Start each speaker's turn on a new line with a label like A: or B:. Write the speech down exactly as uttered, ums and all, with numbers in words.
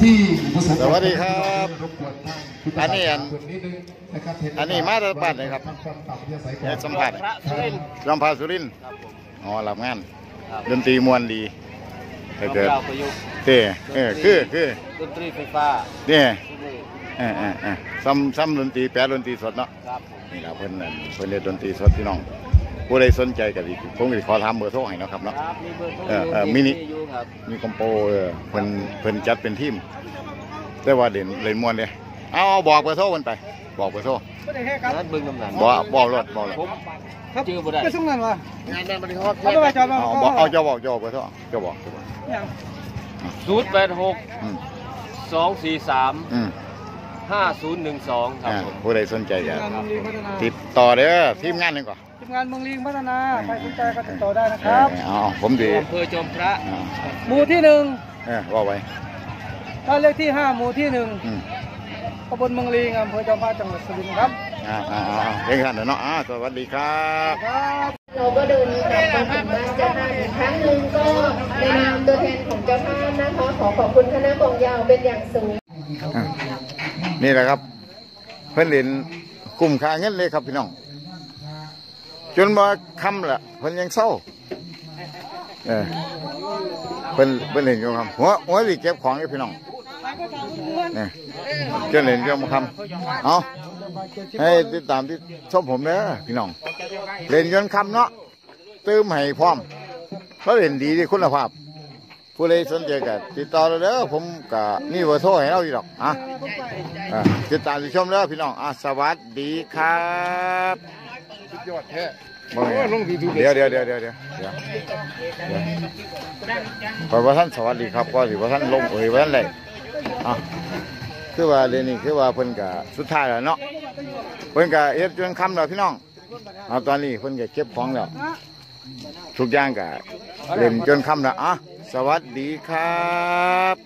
A: ที่
B: สวัสดีครับอันนี้อันอันนี้มาจากบ้านไหนครับเนี่ยสัมผัสลำพาสุรินทร์อ๋อรับงานดนตรีมวลดีถ้าเกิดเต้เออคือคือ
C: ดนตรีไฟฟ้า
B: เนี่ยเออเออเออซ้ำซ้ำดนตรีแปลดนตรีสดเนาะนี่แหละเพิ่นนั่นเพิ่นเล่นดนตรีสดพี่น้องผู้ใดสนใจก็ดีผมก็ขอถามเบอร์โทรให้นะครับเนาะเออเออมินิมีคอมโปเออเพิ่นเพิ่นจัดเป็นทีมแต่ว่าเด่นเล่นมวนเลยเอาบอกเบอร์โทรมันไปบอกเบอร์โทร
C: นัดบึงกำนัน
B: บอกบอกรถบอกรถ
C: ครับชื่อบ่ได้
A: ไปส่งนั่นวะ
C: งานนั้นบริฮอด
A: เอาไปจอดเอา
B: บอกเอาเจ้าบอกเจ้าเบอร์โทรเจ้าบอก
C: ศูนย์แปดหกสองสี่สามห้าศูนย์หนึ่งสองครับผม
B: ผู้ใดสนใจจะติดต่อเด้อทีมงานหนึ่งก่อน
A: ทีมงานเมืองลิงพัฒนาใครสนใจก็ติดต่อได้นะครับ
B: อ๋อผมดี
C: อำเภอจอมพระ
A: หมู่ที่หนึ่ง
B: เออว่าไว้
A: บ้านเลขที่ห้าหมู่ที่หนึ่งตำบลเมืองลิงอำเภอจอมพระจังหวัดสุรินทร์ครับ
B: อ่าอ่าอ่าเฮ้ยท่านเนาะอ่าสวัสดีครับ
D: เราก็เดินกลับมาถึงบ้านเจ้าภาพอีกครั้งหนึ่งก็ในนามตัวแทนของเจ้าภาพนะคะขอขอบคุณคณะกองยาวเป็นอย่างสูง
B: นี่แหละครับเพื่อนเล่นกลุ่มค่าเงินเลยครับพี่น้องจนมาคำละเพื่อนยังเศร้าเออเพื่อนเพื่อนเล่นอยู่ครับหัวหัวสิเก็บของเลยพี่น้องเนี่ยจนเล่นอยู่มาคำเอาให้ติดตามที่ชมผมเด้อพี่น้องเล่นจนคำเนาะตื้มให้พร้อมเขาเล่นดีที่คุณภาพผู้ใดสนใจกันติดต่อเราเด้อผมกับนี่เบอร์โทรให้เราอยู่หรอกอ่ะติดตามติดชมเด้อพี่น้องอ่ะสวัสดีครับสุดยอดแท้เดี๋ยวเดี๋ยวเดี๋ยวเดี๋ยวเดี๋ยวเดี๋ยวขอพระท่านสวัสดีครับก็ถือว่าท่านลงเอ่ยว่าท่านเลยอ่ะคือว่าเรื่องนี้คือว่าเพิ่นกับสุดท้ายแล้วเนาะเพิ่นกับเอ็ดจนคำแล้วพี่น้องเอาตอนนี้เพิ่นกับเก็บของแล้วทุกอย่างกับเล่นจนคำแล้วอ่ะสวัสดีครับ